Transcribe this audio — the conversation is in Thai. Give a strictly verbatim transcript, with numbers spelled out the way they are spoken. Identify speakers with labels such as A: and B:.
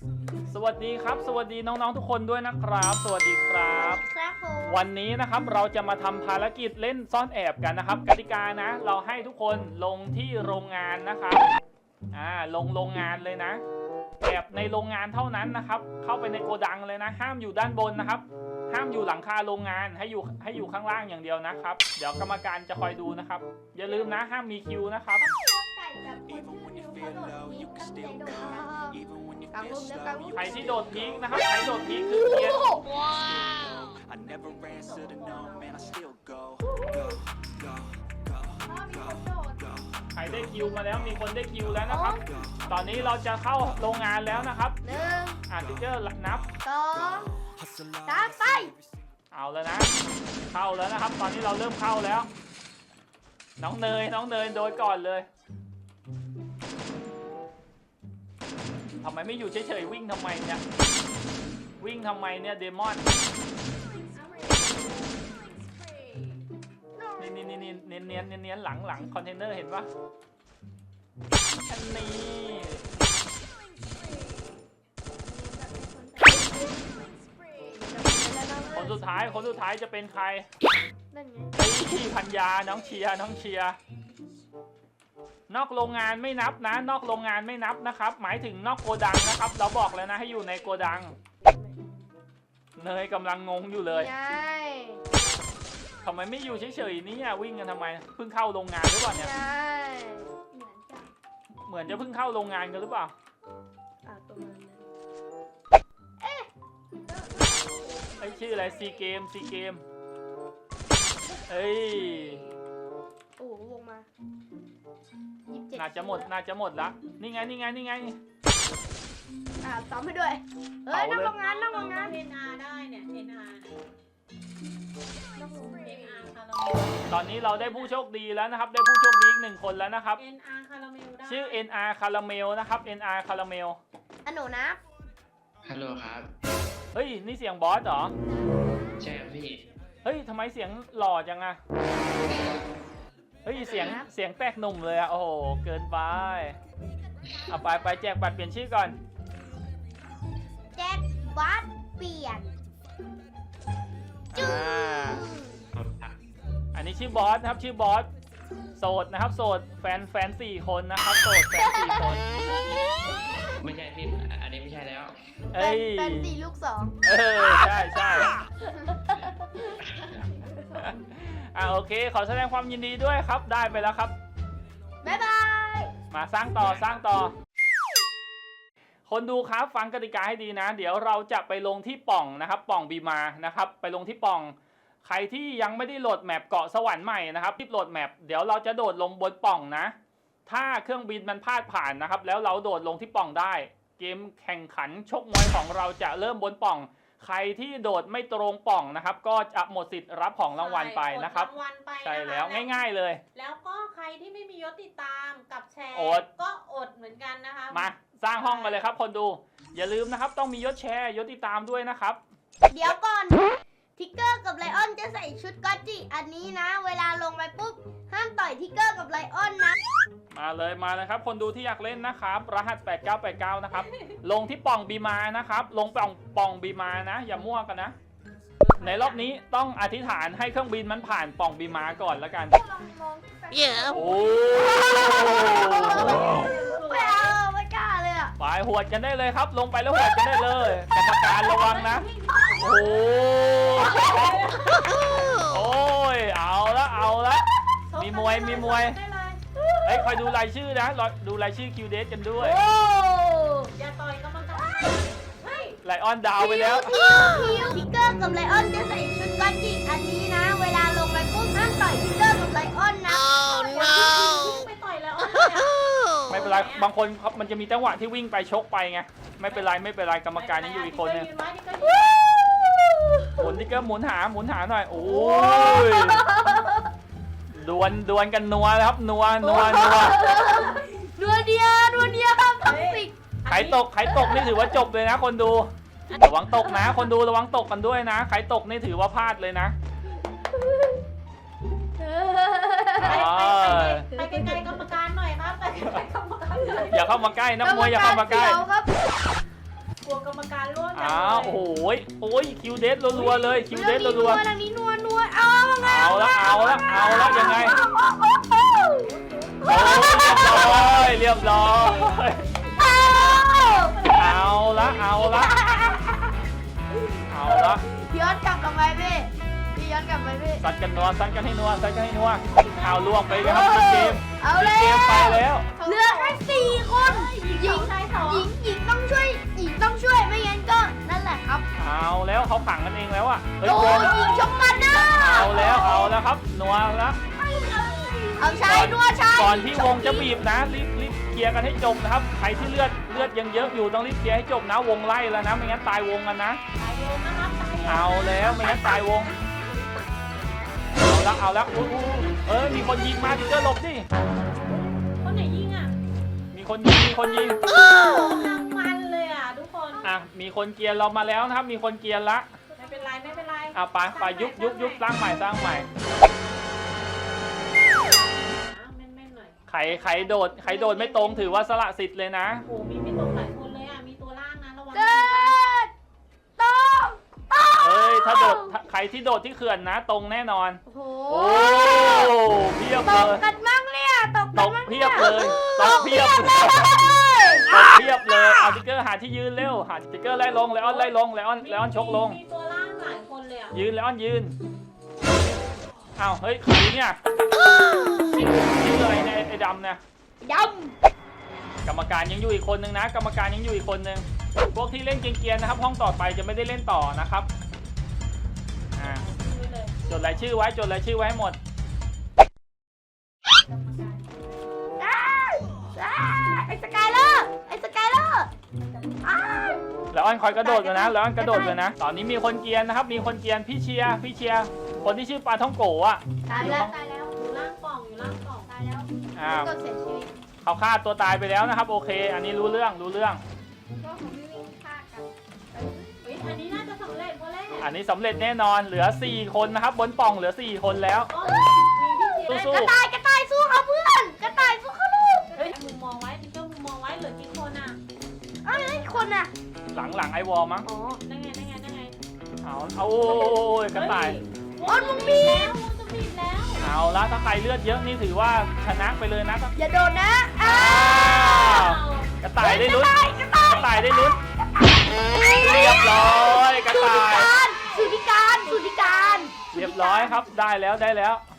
A: สวัสดีครับสวัสดีน้องๆทุกคนด้วยนะครับสวัสดีครับวันนี้นะครับเราจะมาทำภารกิจเล่นซ่อนแอบกันนะครับกติกานะเราให้ทุกคนลงที่โรงงานนะครับอ่าลงโรงงานเลยนะแอบในโรงงานเท่านั้นนะครับเข้าไปในโกดังเลยนะห้ามอยู่ด้านบนนะครับห้ามอยู่หลังคาโรงงานให้อยู่ให้อยู่ข้างล่างอย่างเดียวนะครับเดี๋ยวกรรมการจะคอยดูนะครับอย่าลืมนะห้ามมีคิวนะครับใครที่โดดพีกนะครับใครโดดพีกคือเกียร์ใครได้คิวมาแล้วมีคนได้คิวแล้วนะครับตอนนี้เราจะเข้าโรงงานแล้วนะครับหนึ่งอ่านติ๊กเกอร์นับ
B: สองสามไป
A: เอาแล้วนะเข้าแล้วนะครับตอนนี้เราเริ่มเข้าแล้วน้องเนยน้องเนยโดยก่อนเลยทำไมไม่อยู่เฉยๆวิ่งทำไมเนี่ยวิ่งทำไมเนี่ยเดมอนนี่นี่นี่นี่เนียนเนียนเนียนหลังหลังคอนเทนเนอร์เห็นปะอันนี้คนสุดท้ายคนสุดท้ายจะเป็นใครพี่พัญญาน้องเชียร์น้องเชียร์นอกโรงงานไม่นับนะนอกโรงงานไม่นับนะครับหมายถึงนอกโกดังนะครับเราบอกแล้วนะให้อยู่ในโกดังเนยกำลังงงอยู่เลยทำไมไม่อยู่เฉยๆนี่วิ่งกันทำไมเพิ่งเข้าโรงงานหรือเปล่าเนี่ยเหมือนจะเพิ่งเข้าโรงงานกันหรือเปล่าไอชื่ออะไรซีเกมซีเกมเฮ้ย
B: โอ้วงมา
A: น่าจะหมดน่าจะหมดละนี่ไงนี่ไงนี่ไง
B: อ่าซ้อมให้ด้วยเฮ้ยนั่งโรงงานนั่งโรงงาน
C: เอ็นอาร์ได้เนี่ยเอ็นอาร์
A: ตอนนี้เราได้ผู้โชคดีแล้วนะครับได้ผู้โชคดีอีกหนึ่งคนแล้วนะครับ
C: เอ็น อาร์ คาราเมลได้
A: ชื่อ เอ็น อาร์ คาราเมลนะครับ เอ็น อาร์ คาราเมล
B: อันหนูนะ
D: ฮัลโหลครับ
A: เฮ้ยนี่เสียงบอสเหรอ
D: ใช่ครับพี่
A: เฮ้ยทำไมเสียงหล่อจังอะเฮ้ยเสียงเสียงแตกหนุ่มเลยอะโอ้โหเกินไปเอาไปไปแจกบัตรเปลี่ยนชื่อก่อน
B: แจกบัตรเปลี่ยน
A: อ่าอันนี้ชื่อบอสนะครับชื่อบอสโสดนะครับโสดแฟนแฟนสี่คนนะครับโสดแฟนสี่คน
D: ไม่ใช่พี่อันนี้ไม่ใช่แล้ว
A: เอ้ย
B: แฟนสี่ลูกสอง
A: เออใช่ใช่อ่าโอเคขอแสดงความยินดีด้วยครับได้ไปแล้วครับ
B: บ๊ายบาย
A: มาสร้างต่อสร้างต่อคนดูครับฟังกติกาให้ดีนะเดี๋ยวเราจะไปลงที่ป่องนะครับป่องบีมานะครับไปลงที่ป่องใครที่ยังไม่ได้โหลดแมปเกาะสวรรค์ใหม่นะครับรีบโหลดแมปเดี๋ยวเราจะโดดลงบนป่องนะถ้าเครื่องบินมันพลาดผ่านนะครับแล้วเราโดดลงที่ป่องได้เกมแข่งขันชกมวยของเราจะเริ่มบนป่องใครที่โดดไม่ตรงป่องนะครับก็จะหมดสิทธิ์รับของรางวัลไปนะครับใช่แล้วง่ายๆเลย
C: แล้วก็ใครที่ไม่มียศติดตามกับแชร์ก็อดเหมือนกันนะคะ
A: มาสร้างห้องกันเลยครับคนดูอย่าลืมนะครับต้องมียศแชร์ยศติดตามด้วยนะครับ
B: เดี๋ยวก่อนทิกเกอร์กับไลออนจะใส่ชุดก็อตจิอันนี้นะเวลาลงไปปุ๊บห้ามต่อยทิกเกอร์กับไลออนนะ
A: มาเลยมาเลยครับคนดูที่อยากเล่นนะครับรหัสแปดเก้าแปดเก้านะครับลงที่ป่องบีมานะครับลงป่องป่องบีมานะอย่ามั่วกันนะในรอบนี้ต้องอธิษฐานให้เครื่องบินมันผ่านป่องบีมาก่อนแล้วกัน
B: เยอะโอ้ไม่เอาไม่กล้าเลยอ่ะ
A: ไปหวดกันได้เลยครับลงไปแล้วหวดกันได้เลยกรรมการระวังนะโอ้โอ้ยเอาละเอาละมีมวยมีมวยเฮ้ยคอยดูรายชื่อนะดูรายชื่อคิวเดสกันด้วย
C: อย่าต่อยก็มันจะ
A: ไลออนดาวไปแล้ว
B: ทิกเกอร์กับไลออนจะใส่ชุดก็อตจิอันนี้นะเวลาลงไปปุ๊บห้ามต่อยทิกเกอร์กับไลออนนะ
C: ไปต่อยไลออน
A: ไม่เป็นไรบางคนครับมันจะมีจังหวะที่วิ่งไปชกไปไงไม่เป็นไรไม่เป็นไรกรรมการยังอยู่อีกคนนึงหมุนทิกเกอร์หมุนหาหมุนหาหน่อยโอ้ยดวลดวลกันนัวครับนัวนัวนัว
B: นัวเดียวนัวเดียวครับท็อกซิก
A: ใครตกใครตกนี่ถือว่าจบเลยนะคนดูระวังตกนะคนดูระวังตกกันด้วยนะใครตกนี่ถือว่าพลาดเลยนะ
C: ไปไกลๆกรรมการหน่อยครับไปไกลๆกรรมการหน่อย
A: อย่าเข้ามาใกล้นักมวยอย่าเข้ามาใกล้
C: รมการร่วมกัน
A: อ้าวโอ้โหโอ้ยคิวเดสรัวๆเลยคิวเดสรัว
B: ทางนี้นัวนัวเอา
A: ๆเอาละเอาละเอาละยังไง
B: โอ้
A: โอ้ยเรียบร้อยเอาละเอาละเอาละ
B: พี่ย้อนกลับกลับไปพี่พี่ย้อนกลับไปพี่
A: ซัดกันนัวซัดกันให้นัวซัดกันให้นัวเอาล่วงไปเลยครับเกม
B: เอา
A: เก
B: แล้ว
A: มไปแล้ว
B: เหลือแค่สี่คนหญิงห
C: ห
B: ญิ
C: ญิ
B: ง
C: งชายสอง
B: หญิงต้องช่วยหญิงต้องช่วยไม่งั้นก็นั่นแหละครับ
A: เอาแล้วเขาขังกันเองแล้วอ่ะเฮ้ย
B: โอ้
A: วง
B: หญิงชกมันนะ
A: เอาแล้วเอาแล้วครับนัวแล้ว
B: เอาชายนัวชาย
A: ก่อนที่วงจะบีบนะรีบรีบเคลียร์กันให้จบนะครับใครที่เลือดเลือดยังเยอะอยู่ต้องรีบเคลียร์ให้จบนะวงไล่แล้วนะไม่งั้นตายวงกันนะ
C: ตายวงนะครับตายวง
A: เอาแล้วไม่งั้นตายวงเอาละเอาละอู้อู้เออมีคนยิงมาทิกเกอร์หลบดิ
C: คนไหนยิงอ่ะ
A: มีคนยิงมีคนยิง
C: กำลังมันเลยอ่ะทุกคน
A: อ่ะมีคนเกียร์เรามาแล้วนะครับ มีคนเกียร์ละ
C: ไม่เป็นไรไม่เป็นไร
A: อ่ะไปไปยุบยุบยุบสร้างใหม่สร้างใหม่
C: อ่ะแม่นๆหน่อย
A: ใครใครโดดใครโดดไม่ตรงถือว่าสละสิทธิ์เลยนะ
C: โอ้โหมีไม่ตรงหลายคนเลยอ่ะมีตัวล่างนะระวัง
B: เกิดต้องต้อง
A: เอ้ยถ้าโดดถ้าใครที่โดดที่เขื่อนนะ ตรงแน่นอน
B: โอ้โห
A: โอ้เพียบ
B: ต
A: เล
B: ก
A: ย
B: กันมั่งเนี่ยตก
A: ต
B: กัน
A: ก
B: มั่ง
A: เพี
B: เนี่ย
A: บเลยตกเพียบ
B: ตก
A: เลย
B: เลย
A: ตกเพียบเลยเอาติ๊กเกอร์หาที่ยืนเร็วหาติ๊กเกอร์ไล่ลงไลออนไล่ลงไลออนไลออนชกลง
C: มีตัวล่างหลายคนเลยอ่ะ
A: ยืนไลออนยืนอ้าวเฮ้ยใครเนี่ยชื่ออะไรเนี่ยไอ้ไอ้ดำเนี่ย
B: ย
A: กรรมการยังอยู่อีกคนนึงนะ กรรมการยังอยู่อีกคนนึงพวกที่เล่นเกรียนๆนะครับ ห้องต่อไปจะไม่ได้เล่นต่อนะครับอ่า
C: ดูไว้เลย
A: จดรายชื่อไว้จดรายชื่อไว้ให้หมด
B: ำอ้าวอ้าวไอ้สกายเลอร์ไอ้สกายเลอร์อ้าว
A: แล้วอันคอยกระโดดเลยนะแล้วอันกระโดดเลยนะ ตอนนี้มีคนเกรียนนะครับ มีคนเกรียนพี่เชียร์พี่เชียร์คนที่ชื่อปลาท่องโกะอ่ะ
B: ตายแล้วตายแล้ว
C: อยู่ล่างกล่องอยู่ล่างกล่อง
B: ตายแล้ว
A: อ่า
B: ก็เสียชีวิต
A: เขาฆ่าตัวตายไปแล้วนะครับ โอเค อันนี้รู้เรื่องรู้เรื่อง
B: ก็ของพี่วิ่งฆ่ากัน
C: เฮ้ยอันนี้น่าจะสำเร็จเพราะแรก
A: อันนี้สำเร็จแน่นอนเหลือสี่คนนะครับบนปล่องเหลือสี่คนแล้ว
C: โอ้ยมีพี่เจี๊ยบ
A: สู้
B: กระต่ายกระต่ายสู้เขาเพื่อนกระต่ายสู้เขาลูก
C: เฮ้ยมุมมองไว้พี่เจ้ามุมมองไว้เหลือกี่คนอ่ะ
B: เอ้ยไอ้คนน่ะ
A: หลังหลังไอวอลมั้ง
B: อ๋อ
C: นั่นไงนั่นไงนั่นไง
A: เอาเอาโอ้ยกระต่าย
C: โอ้ยมุมบีแล้วมุมจะบีบแล้ว
A: เอาละถ้าใครเลือดเยอะนี่ถือว่าชนะไปเลยนะ
B: อย่าโดนนะอ้า
A: อ้าว วกระต่ายได้ลุ้น
B: กระต่าย
A: กระต่ายได้ลุ้นเรียบร้อยกระ
B: สุ
A: ต่าย
B: ธิการสุธิการสุธิการ
A: เรียบร้อยครับได้แล้วได้แล้ว